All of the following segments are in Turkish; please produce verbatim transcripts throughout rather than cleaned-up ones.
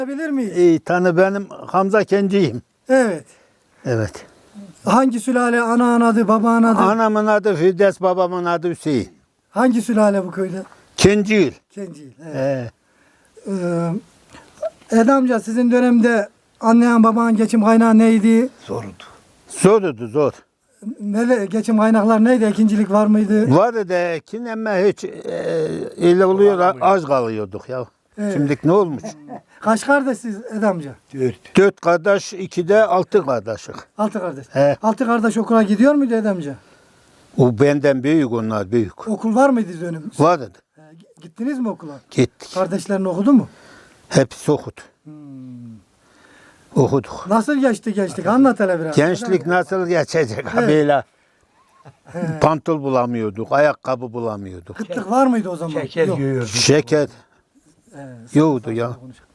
Bilir miyiz? İyi tanı, benim Hamza Kenci'yim. Evet. Evet. Hangi sülale? Ana adı, baba adı? Anamın adı Firdevs, babamın adı Hüseyin. Hangi sülale bu köyde? Kenci'yim. Kencil. Evet. Ee, Ee, Ede amca, sizin dönemde annen babanın geçim kaynağı neydi? zordu. Zordu zor. Nele, geçim kaynaklar neydi? Ekincilik var mıydı? Vardı da kin ama hiç e, öyle oluyor, az kalıyorduk ya. Evet. Şimdi ne olmuş? Kaç kardeşsiniz Ede amca? Dört. Dört kardeş, iki de altı kardeşik. Altı kardeş. He. Altı kardeş okula gidiyor muydu Ede amca? O benden büyük, onlar büyük. Okul var mıydı dönem? Vardı. He, gittiniz mi okula? Gittik. Kardeşlerin okudu mu? Hepsi okudu. Hmm. Okuduk. Nasıl geçti gençlik? Anlat hele biraz. Gençlik nasıl geçecek? Evet. Böyle He. pantol bulamıyorduk, ayakkabı bulamıyorduk. Kıtlık var mıydı o zaman? Şeker Yok. yiyordu. Şeker He, yoktu ya.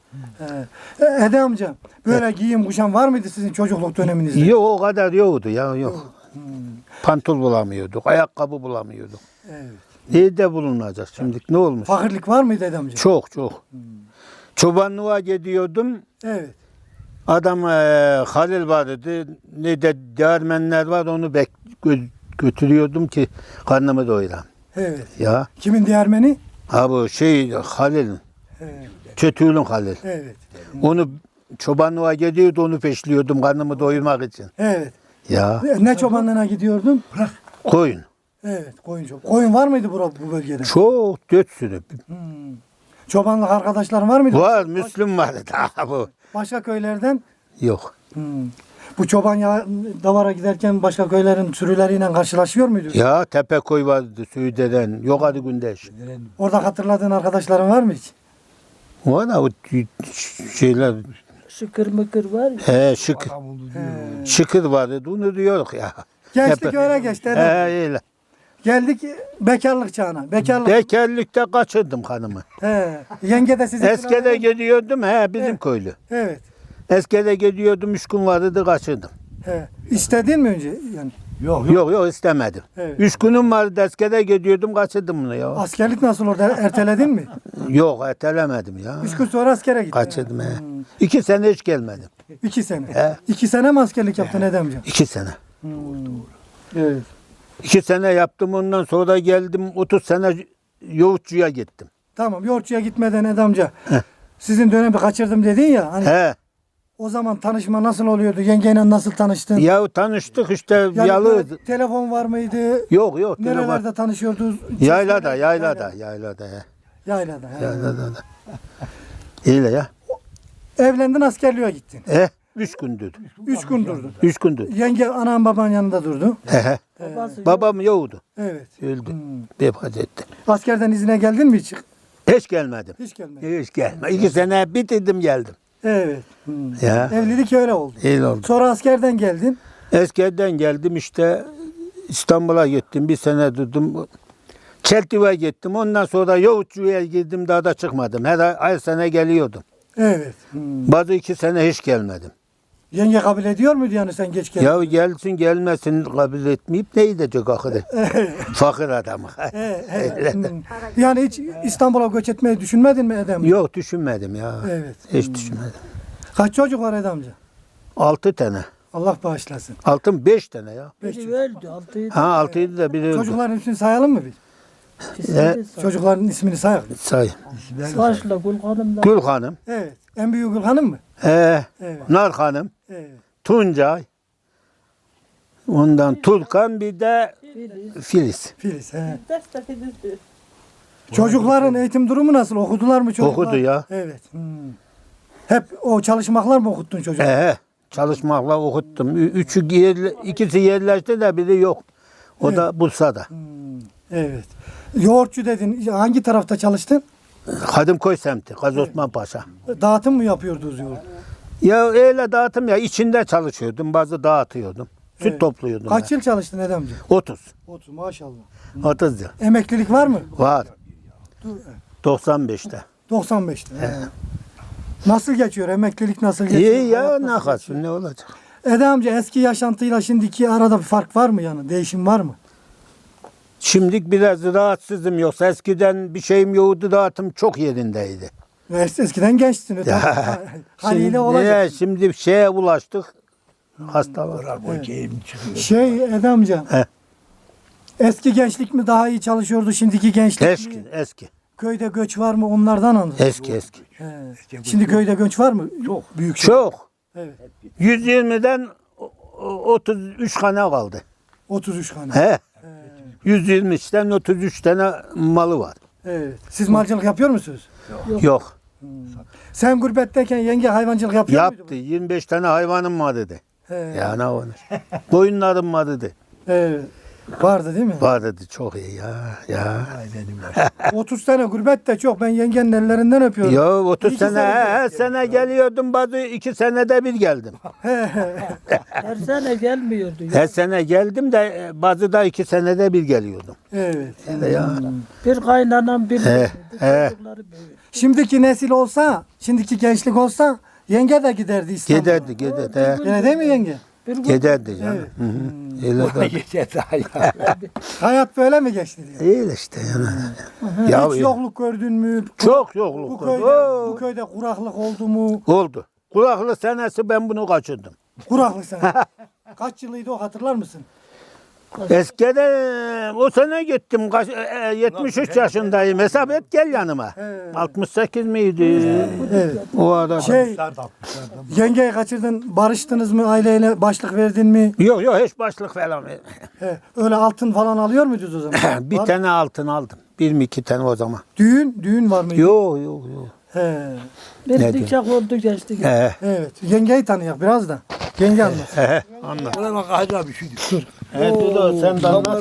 He. Ede amca, böyle giyim kuşam var mıydı sizin çocukluk döneminizde? Yok, o kadar yoktu ya, yok. Pantol bulamıyorduk, ayakkabı bulamıyorduk. Evet. Nerede bulunacak şimdi? Ne olmuş? Fakirlik var mıydı Ede amca? Çok çok. Çobanlığa gidiyordum. Evet. Adam e, Halil vardı. Ne de değirmenler var, onu bek gö- götürüyordum ki karnımı doyuram. Evet. Ya. Kimin değermeni? Ha bu şey Halil'in. Evet. Çötüğünün Halil. Evet. Onu çobanlığa gidiyordu, onu peşliyordum karnımı doyurmak için. Evet. Ya. Ne çobanlığına gidiyordun? Koyun. Evet, koyun çoban. Koyun var mıydı bura, bu bölgede? Çok dört sürü. Hmm. Çobanlık arkadaşların var mıydı? Var, Müslüm vardı daha bu. Başka köylerden? Yok. Hmm. Bu çoban ya davara giderken başka köylerin sürüleriyle karşılaşıyor muydu? Ya Tepekoy vardı, Süğde'den, Yukarı Gündeş. Orada hatırladığın arkadaşların var mı hiç? O da o şeyler, Şıkır mıkır var ya. he şık, Adam oldu He. diyor. şıkır vardı, bunu diyorduk ya. Gençlik Tepe- öyle geçti. He Ede. öyle. Geldik bekarlık çağına. Bekarlık. Bekarlıkta kaçırdım hanımı. He. Yenge de sizin Eskide gidiyordum, he bizim Evet. köylü. Evet. Eskide gidiyordum, üç gün vardı da kaçırdım. He. İstedin mi önce? Yani Yok yok. Yok yok istemedim. Evet. Üç günüm vardı, eskide gidiyordum, kaçırdım bunu ya. askerlik nasıl orada? Erteledin mi? Yok ertelemedim ya. Üç gün sonra askere gittin. Kaçırdım he. İki sene hiç gelmedim. İki sene. He. İki sene mi askerlik yaptın Edemciğim? İki sene. Evet. İki sene yaptım, ondan sonra geldim otuz sene yoğurtçuya gittim. Tamam. Yoğurtçuya gitmeden Edemca. Sizin dönemi kaçırdım dedin ya. Hani He. o zaman tanışma nasıl oluyordu? Yengeyle nasıl tanıştın? Ya tanıştık işte Yani yalı. böyle telefon var mıydı? Yok yok. Nerelerde telefon. tanışıyordunuz? Yaylada, yaylada, yaylada. He. Yaylada. he. Yaylada da. Öyle ya. Evlendin, askerliğe gittin. He. Üç gündür. Üç gün durdun. Üç gündür. Yenge anan baban yanında durdu. He he. Babası yok. Babam yoktu. Evet. Öldü. Vefat etti. Askerden izine geldin mi hiç? Hiç gelmedim. Hiç gelmedin. Hiç gelme. İki sene bitirdim geldim. Evet. Hmm. Ya. Evlilik öyle oldu. Öyle oldu. Sonra askerden geldin. Eskiden geldim işte İstanbul'a gittim. Bir sene durdum. Çeltiva'ya gittim. Ondan sonra Yoğurtçu'ya girdim. Daha da çıkmadım. Her ay, ay sene geliyordum. Evet. Hmm. Bazı iki sene hiç gelmedim. Yenge kabul ediyor muydu yani sen geç geldin? Ya gelsin gelmesin kabul etmeyip ne gidecek ahire? Fakir adamı. He, he. Hmm. Yani hiç İstanbul'a göç etmeyi düşünmedin mi Edem? Yok düşünmedim ya. Evet. Hiç düşünmedim. Kaç çocuk var Edem amca? Altı tane. Allah bağışlasın. Altın beş tane ya. Beş Biri çocuk. öldü. Altıydı. Ha altıydı da biri öldü. Çocukların ismini sayalım mı biz? He. Çocukların ismini sayalım. Say. Saçla Gül Hanım da. Gül Hanım. Evet. En büyük Gül Hanım mı? He. Evet. Nar Hanım. Evet. Tuncay. Ondan Tulkan bir de Filiz. Filiz. He. Çocukların eğitim durumu nasıl? Okudular mı çocuklar? Okudu ya. Evet. Hmm. Hep o çalışmaklar mı okuttun çocuklar? He he. Çalışmakla okuttum. Ü- Üçü yerle, ikisi yerleşti de biri yok. O da Bursa'da. Hmm. Evet. Yoğurtçu dedin. Hangi tarafta çalıştın? Kadımköy semti, Gazi Osman Paşa. Dağıtım mı yapıyordunuz yoğurt? Ya öyle dağıtım ya, içinde çalışıyordum, bazı dağıtıyordum. Süt Evet. topluyordum. Kaç ben. yıl çalıştın Edemci? otuz. otuz maşallah. otuz yıl. Emeklilik var mı? Var. doksan beşte. doksan beşte. He. Nasıl geçiyor? Emeklilik nasıl geçiyor? İyi ya, Hayat ne nasıl kalsın, geçiyor? ne olacak? Ede amca, eski yaşantıyla şimdiki arada bir fark var mı yani? Değişim var mı? Şimdilik biraz rahatsızım, yoksa eskiden bir şeyim yoktu, dağıtım çok yerindeydi. Es- Eskiden gençtin. Tabii. Haliyle Şimdi, olacak. ne, şimdi şeye ulaştık. Hastalar. Şey Ede amca. He. Eski gençlik mi daha iyi çalışıyordu, şimdiki gençlik mi? Eski, eski. Köyde göç var mı, onlardan anladım. Eski, eski. He. Şimdi köyde göç var mı? Çok. Büyük şey. Çok. Evet. yüz yirmiden o- o- otuz üç tane kaldı. otuz üç tane. He. yüz yirmiden otuz üç tane malı var. Evet. Siz malcılık yapıyor musunuz? Yok. Sen gurbetteyken yenge hayvancılık yapıyor Yaptı. muydu? yirmi beş tane hayvanım var dedi. He. Ya ne olur. Koyunlarım var dedi. Evet. Vardı değil mi? Var dedi. Çok iyi ya. Ya. otuz tane gurbet de çok. Ben yengenin ellerinden öpüyorum. Ya otuz İki sene, sene her sene geliyordum. Bazı iki senede bir geldim. Her sene gelmiyordu. Ya. Her sene geldim de e, bazı da iki senede bir geliyordum. Evet. Ya. Bir kaynanan bir He, he. çocukları büyüyor. Şimdiki nesil olsa, şimdiki gençlik olsa yenge de giderdi İstanbul'a. Giderdi, giderdi. he. Gene değil mi yenge? Bir gün Giderdi canım. Hı hı. Öyle de. Hayat böyle mi geçti diyor. İyi işte yani. Ya, Hiç yokluk gördün mü? çok Bu yokluk. köyde, Oo. bu köyde kuraklık oldu mu? Oldu. Kulaklı senesi ben bunu kaçırdım. Kuraklık sen. Kaç yılıydı o, hatırlar mısın? Eskiden o sene gittim. Kaç, e, yetmiş üç yaşındayım. Hesap et gel yanıma. He. altmış sekiz miydi? Evet. O arada. Şey, yengeyi kaçırdın, barıştınız mı, aileyle başlık verdin mi? Yok yok hiç başlık falan. He, öyle altın falan alıyor muydunuz o zaman? Bir Var- tane altın aldım. Bir mi iki tane o zaman. Düğün, düğün var mıydı? Yok yok yok. He, bir Ne nikah oldu geçti. He. evet. Yengeyi tanıyak biraz da. Yenge anlat. He. Anlat. Bana bak Hacı abi şu dur. He Dudu sen de anlat.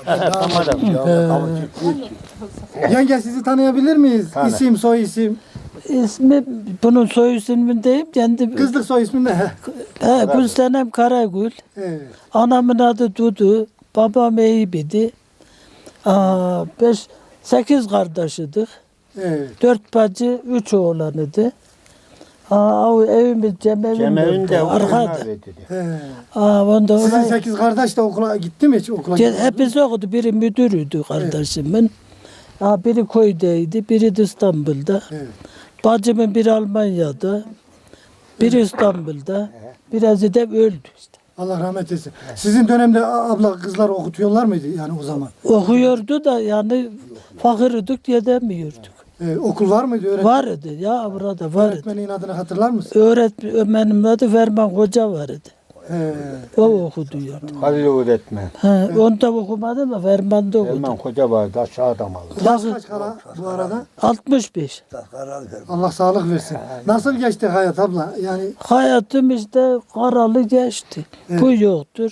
Tamam. Yenge sizi tanıyabilir miyiz? Tanı. İsim, soy isim. İsmi, bunun soy ismini deyip kendi... Kızlık soy ismi ne? He. He, Gülsenem Karagül. Evet. Anamın adı Dudu. Babam Eyüp'idi. Aa, beş, sekiz kardeşidik. Evet. Dört bacı, üç oğlanıydı. Aa, o evimiz Cemevin Cemevin de arkada. He. Aa, onda Sizin oraya, sekiz kardeş de okula gitti mi hiç okula? Ce- hepsi okudu. Biri müdürüydü kardeşimin. Aa, biri köydeydi, biri de İstanbul'da. Evet. Bacımın biri Almanya'da, biri İstanbul'da, birazı da öldü işte. Allah rahmet eylesin. Sizin dönemde a- abla kızlar okutuyorlar mıydı yani o zaman? Okuyordu da yani fakirdik yedemiyorduk. Ee, okul var mıydı? Öğret Vardı ya burada vardı. öğretmenin adını hatırlar mısın? Öğretmenim adı Ferman Hoca vardı. He. O okuduyordu. Halil öğretmen. Ha, onda okumadım da Ferman'da okudum. Hemen koca vardı aşağıda malı. Yaş kaç kala bu arada? altmış beş. Allah sağlık versin. Nasıl geçti hayat abla? Yani Hayatım işte karalı geçti. Bu yoktur.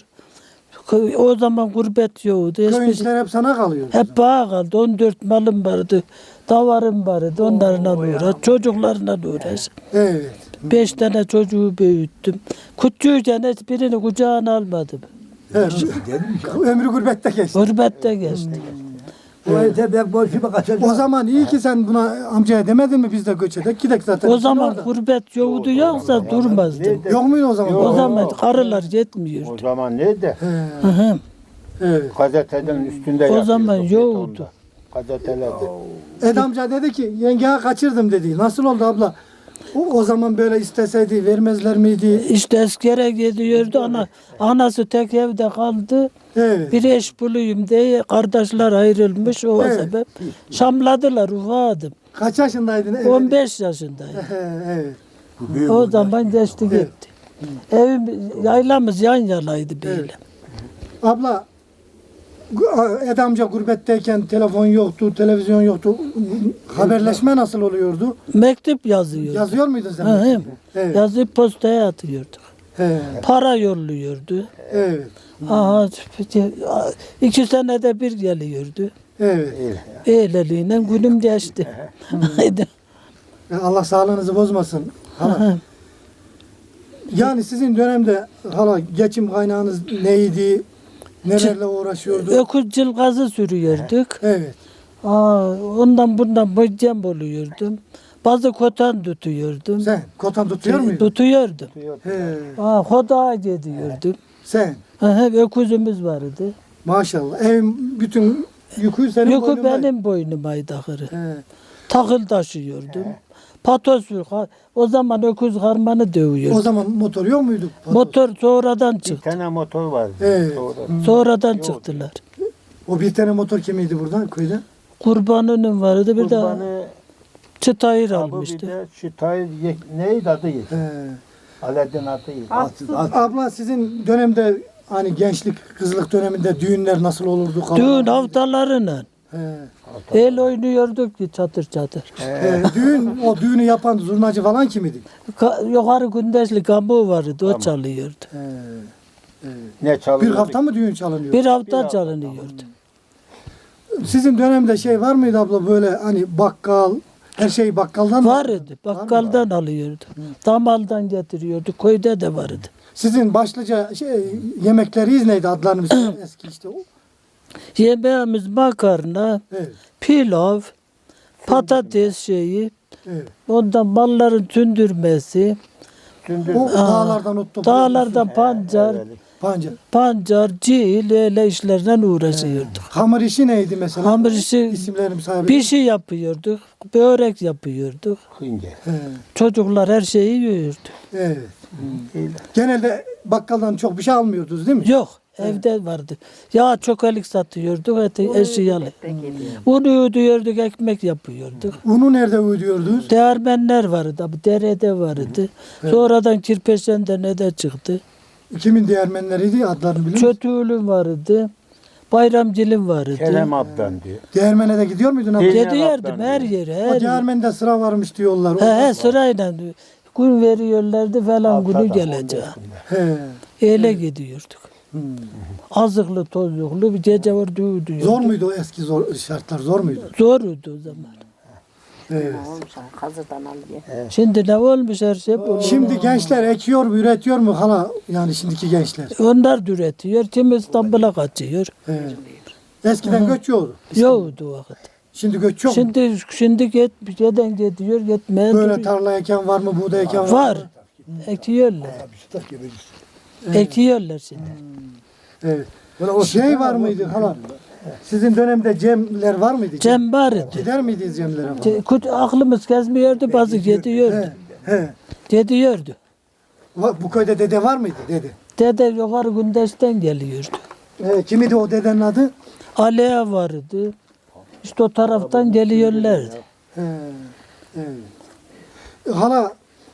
O zaman gurbet yoktu. köy Hiçbir- işler hep sana kalıyor. Hep bağ kaldı. on dört malım vardı. Davarım vardı. Onlarla uğraş. Çocuklarla uğraş. Evet. Beş tane çocuğu büyüttüm. Küçüğüken hiçbirini kucağına almadım. evet. Ömrü gurbette geçti. Gurbette geçti. Bu evde ben boşuma kaçacağım. O zaman iyi ki sen buna amcaya demedin mi biz de göç edek gidek zaten. O zaman Orada. gurbet yoktu yoksa durmazdım. Yok muydu o zaman? O zaman karılar O yetmiyordu. zaman neydi? He. Hı hı. Evet. Gazetenin üstünde O zaman yapıyorduk, yoktu. betonda. Gazetelerde. Ed amca dedi ki yengeye kaçırdım dedi. Nasıl oldu abla? O, o zaman böyle isteseydi vermezler miydi? İşte askere gidiyordu. Ana, anası tek evde kaldı. Evet. Bir eş bulayım diye kardeşler ayrılmış o Evet. sebep. Şamladılar ufadım. Kaç yaşındaydın? Evet. on beş yaşındayım. He, evet. O zaman geçti gitti. Evim, yaylamız yan yanaydı böyle. Evet. Abla gu- Ed amca gurbetteyken telefon yoktu, televizyon yoktu. Haberleşme nasıl oluyordu? Mektup yazıyordu. Yazıyor muydun sen? Hı hı. Evet. Yazıp postaya atıyorduk. He, Para yolluyordu. evet. Aha, iki senede bir geliyordu. Evet. Eyleliğine günüm geçti. Haydi. Ya Allah sağlığınızı bozmasın. Hala. Yani sizin dönemde hala geçim kaynağınız neydi? Nelerle uğraşıyordu? Öküz cılgazı sürüyorduk. Evet. Aa, ondan bundan böcem oluyordum. Bazı kotan tutuyordum. Sen kotan tutuyor muydun? Tutuyordum. He, Aa, hodağa gidiyordum. sen. Aha, öküzümüz vardı. Maşallah. Evin bütün yükü senin Yükü boynunda. benim boynumaydı ahırı. He, Takıl taşıyordum. Patos yok. Ha, o zaman öküz harmanı dövüyor. O zaman motor yok muydu? Motor sonradan Bir çıktı. tane motor vardı. Evet. Sonra- Sonradan çıktılar. O bir tane motor kimiydi buradan köyde? Kurbanının vardı bir de Kurbanı çıtayır abi bir almıştı. de şu tayır ye- neydi adı? He. Aladdin adıydı. Atsız, atsız. Abla sizin dönemde hani gençlik, kızlık döneminde düğünler nasıl olurdu? Düğün haftalarıyla. He. El oynuyorduk ki çatır çatır. He, düğün, o düğünü yapan zurnacı falan kimidi? Ka- yukarı gündeşli kamu vardı o çalıyordu. He. Ne Bir çalıyordu? hafta mı düğün çalınıyor? Bir hafta hafta. çalınıyordu. Sizin dönemde şey var mıydı abla böyle hani bakkal, her şey bakkaldan mı? Vardı. Bakkaldan alıyordu. Damaldan getiriyordu. Köyde de vardı. Sizin başlıca şey, yemekleriniz neydi adlarınız eski işte o? Yemeğimiz makarna, Evet, pilav, patates şeyi, evet. ondan malların tündürmesi, Sündür. O dağlardan ot topluyorsunuz. dağlardan pancar, Evet. Pancar. pancar, cil, öyle işlerle uğraşıyorduk. Hamur işi neydi mesela? Hamur işi İsimlerini sahibi. bir şey yapıyorduk, börek yapıyorduk. Hınge. He, Çocuklar her şeyi yiyordu. evet. Öyle. Genelde bakkaldan çok bir şey almıyordunuz değil mi? Yok, evde vardı. Yağ çokelik satıyorduk, eti eşyalı. Unu ödüyorduk, ekmek yapıyorduk. Unu nerede ödüyordunuz? Değirmenler vardı, abi derede vardı. Sonradan Kirpeşen'de ne de çıktı. Kimin değermenleriydi adlarını biliyor musun? Çötüğülüm vardı. Bayramcılım vardı. Kerem Abdan diyor. Değermene de gidiyor muydun abla? Değil. Gidiyordum her yere, her O yere. değermende sıra varmış diyorlar. He, he, sırayla gün veriyorlardı falan günü gelecek. He. Öyle gidiyorduk. Hmm. Azıklı tozluklu bir gece var düğüdü. Zor muydu o eski zor, şartlar zor muydu? Zordu o zaman. Evet. Hazırdan alıyor. Şimdi ne olmuş her şey bu. Şimdi gençler ekiyor mu, üretiyor mu hala yani şimdiki gençler? Onlar da üretiyor. Kim İstanbul'a kaçıyor. He. Eskiden göç yoktu. Yoktu o vakit. Şimdi göç yok mu? Şimdi şimdi git, giden gidiyor, gitmeye Böyle duruyor. tarla eken var mı, buğday eken var mı? Var. Ekiyorlar. Bisiklet gibi. Ekiyorlar şimdi. Evet. Şey var mıydı hala? Sizin dönemde cemler var mıydı? Cem vardı. Gider miydiniz cemlere falan? Ce- kut- Aklımız gezmiyordu, bazı gidiyordu. He. He. Gidiyordu. Va- Bu köyde dede var mıydı dede? Dede yukarı Gündeş'ten geliyordu. He, kimidi o dedenin adı? Alea vardı. İşte o taraftan geliyorlardı. He. Evet. Hala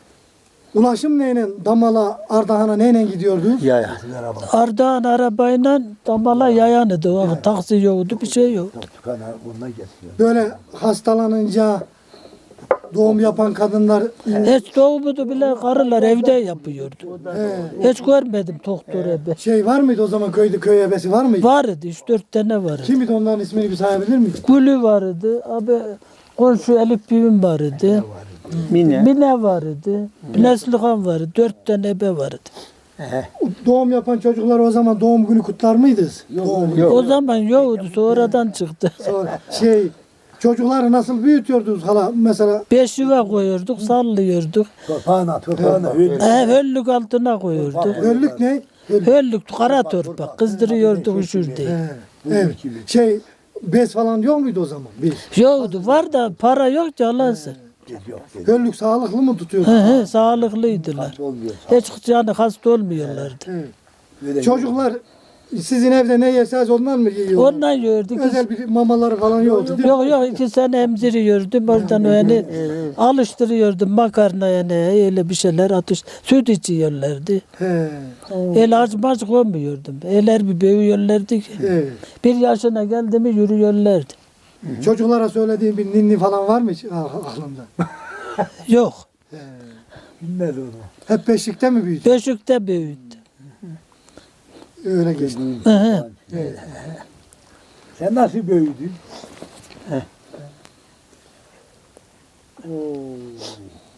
ulaşım neyle Damala, Ardahan'a neyle gidiyordunuz? Ya ya. Ardahan arabayla Damala yayanıdı. O vakit taksi yoktu, bir şey yoktu. Tukan bununla getiriyor. Böyle hastalanınca doğum yapan kadınlar Hiç doğumudu bile karılar evde yapıyordu. he, Hiç görmedim doktor ebe. şey var mıydı o zaman köyde köy ebesi var mıydı? Vardı, üç dört tane vardı. Kimdi onların ismini bir sayabilir miyiz? Gülü vardı, abi komşu Elif Büyüm vardı. Mine. Mine vardı, Neslihan vardı, dört tane ebe vardı. He. Doğum yapan çocuklar o zaman doğum günü kutlar mıydınız? Doğum günü. Yok. O zaman yoktu, sonradan çıktı. Sonra şey çocukları nasıl büyütüyordunuz hala mesela? Beş yuva koyuyorduk, sallıyorduk. Torpağına, torpağına. He, höllük altına koyuyorduk. Önlük ne? Önlük. Höllük, kara torpak, kızdırıyorduk üşür diye. He, evet. Şey bez falan yok muydu o zaman? Bir. Yoktu, var da para yok ki Allah'ın. Önlük sağlıklı mı tutuyordu? He he, sağlıklıydılar. Olmuyor. Hiç yani hasta olmuyorlardı. Evet. Böyle Çocuklar sizin evde ne yerseniz ondan mı yiyorlar? Ondan yiyorduk. Özel bir mamaları falan yoktu değil mi? Yok yok iki sene emziriyordum oradan yani alıştırıyordum makarna yani öyle bir şeyler atış süt içiyorlardı. He, El aç maç koymuyordum. Eller bir büyüyorlardı ki. evet. Bir yaşına geldi mi yürüyorlardı. Çocuklara söylediğin bir ninni falan var mı hiç ah- aklında? Yok. bilmez onu. Hep beşikte mi büyüdü? Beşikte büyüdü. Öyle geçti. Hı hı. Sen nasıl büyüdün? Oo.